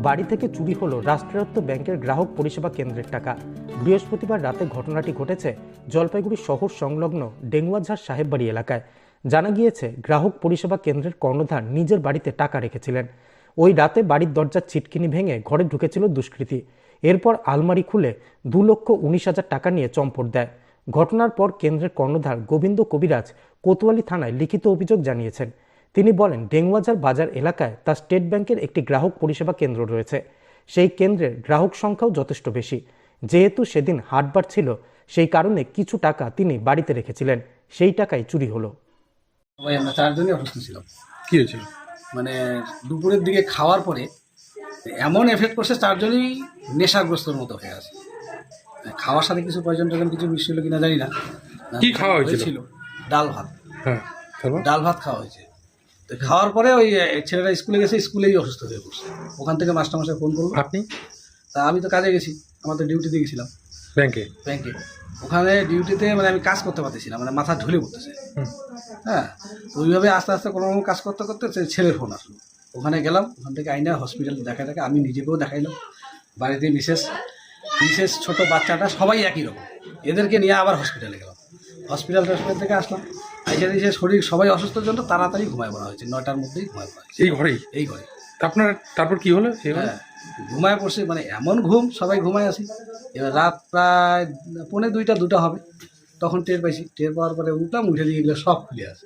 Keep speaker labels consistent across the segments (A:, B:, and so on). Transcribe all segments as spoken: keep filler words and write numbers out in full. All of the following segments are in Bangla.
A: বাড়ি থেকে চুরি হলো রাষ্ট্রায়ত্ত ব্যাংকের গ্রাহক পরিষেবা কেন্দ্রের টাকা। বৃহস্পতিবার রাতে ঘটনাটি ঘটেছে জলপাইগুড়ি শহর সংলগ্ন ডেঙ্গুয়াঝার সাহেববাড়ি এলাকায়। জানা গিয়েছে, গ্রাহক পরিষেবা কেন্দ্রের কর্ণধার নিজের বাড়িতে টাকা রেখেছিলেন। ওই রাতে বাড়ির দরজার ছিটকিনি ভেঙে ঘরে ঢুকেছিল দুষ্কৃতী। এরপর আলমারি খুলে দু লক্ষ উনিশ হাজার টাকা নিয়ে চম্পট দেয়। ঘটনার পর কেন্দ্রের কর্ণধার গোবিন্দ কবিরাজ কোতোয়ালি থানায় লিখিত অভিযোগ জানিয়েছেন। তিনি বলেন, ডেঙ্গুয়াঝার বাজার এলাকায় তার স্টেট ব্যাংকের একটি গ্রাহক পরিষেবা কেন্দ্র রয়েছে। সেই কেন্দ্রের গ্রাহক সংখ্যাও যথেষ্ট বেশি। যেহেতু সেদিন হাটবার ছিল, সেই কারণে কিছু টাকা তিনি বাড়িতে রেখেছিলেন। সেই টাকাই চুরি হলো।
B: সবাই আমরা চারজনই অসুস্থ ছিলাম।
C: কি হয়েছিল?
B: মানে দুপুরের দিকে খাওয়ার পরে এমন এফেক্ট করছে, চারজনই নেশাগ্রস্তর মতো হয়ে আছে। খাওয়ার সাথে কিছু পয়জন টয়জন কিছু মিষ্টি হলো কিনা জানি না।
C: কি খাওয়া হয়েছিল?
B: ডাল ভাত।
C: হ্যাঁ, তারপর
B: ডাল ভাত খাওয়া হয়েছে। তো খাওয়ার পরে ওই ছেলেরা স্কুলে গেছে, স্কুলেই অসুস্থ হয়ে পড়ছে। ওখান থেকে মাস্টারমশাই ফোন করলো।
C: আপনি?
B: তা আমি তো কাজে গেছি, আমার তো ডিউটিতে গেছিলাম
C: ব্যাংকে।
B: ব্যাংকে ওখানে ডিউটিতে মানে আমি কাজ করতে পারতেছিলাম, মানে মাথা ঝুলে পড়তেছে। হ্যাঁ, ওইভাবে আস্তে আস্তে কোনো রকম কাজ করতে করতে ছেলের ফোন আসলো। ওখানে গেলাম, ওখান থেকে আইনা হসপিটালে দেখা দেখা আমি নিজেকেও দেখাইলাম। বাড়িতে মিসেস মিসেস ছোটো বাচ্চাটা সবাই একই রকম, এদেরকে নিয়ে আবার হসপিটালে গেলাম। হসপিটাল হসপিটাল থেকে আসলাম, আইসা দিয়েছে শরীর সবাই অসুস্থর জন্য তাড়াতাড়ি ঘুমায় পড়া হয়েছে। নয়টার মধ্যেই ঘুমায় পড়া হয়েছে
C: এই ঘরেই।
B: এই ঘরে
C: আপনার তারপর কি হলো?
B: হ্যাঁ, ঘুমায় পড়ছে, মানে এমন ঘুম, সবাই ঘুমায় আসি। এবার রাত প্রায় পৌনে দুইটা দুটা হবে, তখন টের পাইছি। টের পাওয়ার পরে উঠলাম, উঠে দিয়ে এগুলো সব খুলে আছে।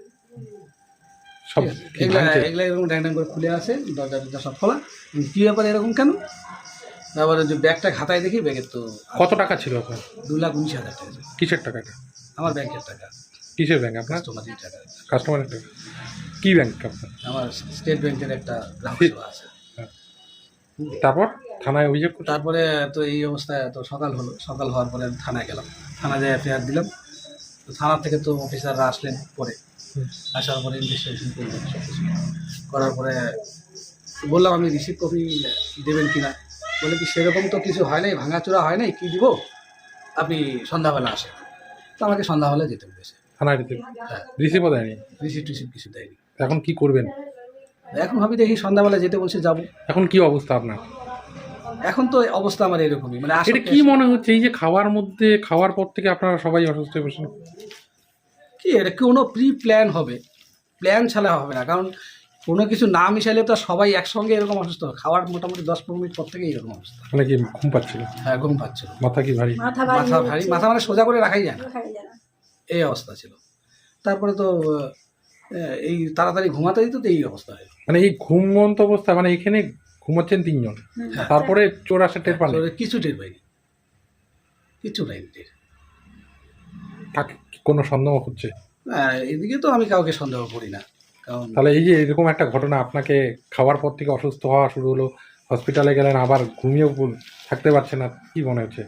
C: সব
B: এগুলা এগুলো এরকম ড্যাং ড্যাং করে খুলে আছে, দরজা টরজা সব খোলা। কী ব্যাপারে এরকম কেন? তারপরে যে ব্যাগটা খাতায় দেখি, ব্যাগের তো
C: কত টাকা ছিল আপনার?
B: দু লাখ উনিশ হাজার টাকা ছিল।
C: কিসের টাকাটা?
B: আমার ব্যাংকের টাকা।
C: কিসের ব্যাংক আপনার?
B: কাস্টমারের টাকা।
C: কাস্টমারের টাকা। কি ব্যাংক আপনার?
B: আমার স্টেট ব্যাংকের একটা গ্রাহক সেবা আছে।
C: তারপর থানায় অভিযোগ করতে?
B: তারপরে তো এই অবস্থায় তো সকাল হলো, সকাল হওয়ার পরে আমি থানায় গেলাম। থানায় যেয়ে এফআইআর দিলাম। তো থানা থেকে তো অফিসাররা আসলেন পরে, আসার পরে ইনভেস্টিগেশন করলেন সব কিছু করার পরে বললাম, আমি রিসিভ কপি দেবেন কিনা। বলে কি, সেরকম তো কিছু হয় নাই, ভাঙাচোরা হয় নাই, কী দিব, আপনি সন্ধ্যাবেলা আসেন। তো আমাকে সন্ধ্যাবেলা যেতে বলেছে
C: থানায় রিসিভ?
B: হ্যাঁ,
C: রিসিভও দেয়নি?
B: রিসিভ টিসিভ কিছু দেয়নি।
C: এখন কি করবেন?
B: এখন ভাবি দেখি, সন্ধ্যাবেলা যেতে বলছে, যাবো।
C: এখন কি অবস্থা আপনার?
B: এখন তো অবস্থা আমার এরকমই, মানে
C: এটা কি মনে হচ্ছে, এই যে খাওয়ার মধ্যে খাওয়ার পর থেকে আপনারা সবাই অসুস্থ হয়ে বসেন?
B: কি এটা কোনো প্রি প্ল্যান হবে? প্ল্যান ছাড়া হবে না, কারণ কোনো কিছু না মিশাইলে তো সবাই একসঙ্গে এরকম অসুস্থ হবে। খাওয়ার মোটামুটি দশ পনেরো মিনিট পর থেকেই এরকম অবস্থা।
C: মানে কি ঘুম পাচ্ছিল?
B: হ্যাঁ, ঘুম পাচ্ছিল।
C: মাথা কি ভারী?
D: মাথা
B: মাথা ভারী, মাথা মানে সোজা করে রাখাই যায় না,
D: রাখাই যায় না।
B: এই অবস্থা ছিল। তারপরে তো আহ, এই তাড়াতাড়ি ঘুমাতে দিত, তো এই অবস্থা হয়।
C: মানে এই ঘুমন্ত অবস্থা, মানে এখানে ঘুমাচ্ছেন তিনজন, তারপরে চোর আসে টের পান?
B: কিছু টের পাইনি, কিছু পাইনি টের।
C: কাকে কোনো সন্দেহ হচ্ছে?
B: হ্যাঁ, এদিকে তো আমি কাউকে সন্দেহ করি না, কারণ
C: তাহলে এই যে এরকম একটা ঘটনা, আপনাকে খাওয়ার পর থেকে অসুস্থ হওয়া শুরু হলো, হসপিটালে গেলেন, আবার ঘুমিয়েও থাকতে পারছেন না, কি মনে হচ্ছে?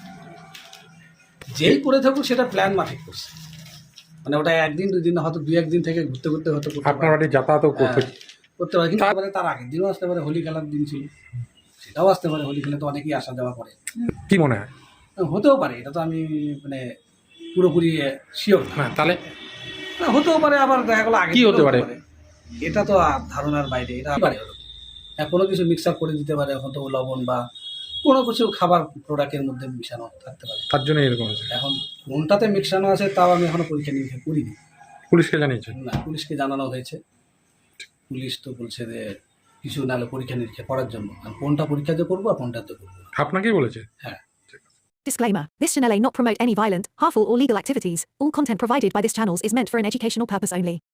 B: যেই করে থাকুক সেটা প্ল্যান মাফিক করছে, মানে ওটা একদিন দুই দিন, হয়তো দুই একদিন থেকে ঘুরতে ঘুরতে হয়তো
C: আপনার বাড়ি যাতায়াতও করতে
B: করতে পারে। কিন্তু তারপরে তার আগের দিনও আসতে পারে, হোলি খেলার দিন ছিল, সেটাও আসতে পারে। হোলি খেলে তো অনেকেই আসা যাওয়া করে,
C: কি মনে হয়?
B: হতেও পারে, এটা তো আমি মানে পুরোপুরি শিওর না।
C: হ্যাঁ, তাহলে
B: হতেও পারে, আবার দেখা গেলো আগে
C: কি হতে পারে?
B: এটা তো ধারণার বাইরে। এটা পারে হ্যাঁ, কোনো কিছু মিক্সার করে দিতে পারে, হয়তো লবণ বা কোনো কিছু খাবার প্রোডাক্টের মধ্যে মিশানো থাকতে পারে,
C: তার জন্য এরকম হয়েছে।
B: এখন কোনটাতে মিশানো আছে তাও আমি এখনো পরীক্ষা নিরীক্ষা করিনি।
C: পুলিশকে জানিয়েছেন?
B: না, পুলিশকে জানানো হয়েছে। পুলিশ তো বলছে যে কিছু নাহলে পরীক্ষা নিরীক্ষা করার জন্য, আর কোনটা পরীক্ষা দিয়ে করবো আর কোনটাতে করবো।
C: আপনাকেই বলেছে?
B: হ্যাঁ।
E: Disclaimer. This channel may not promote any violent, harmful or legal activities. All content provided by this channel is meant for an educational purpose only.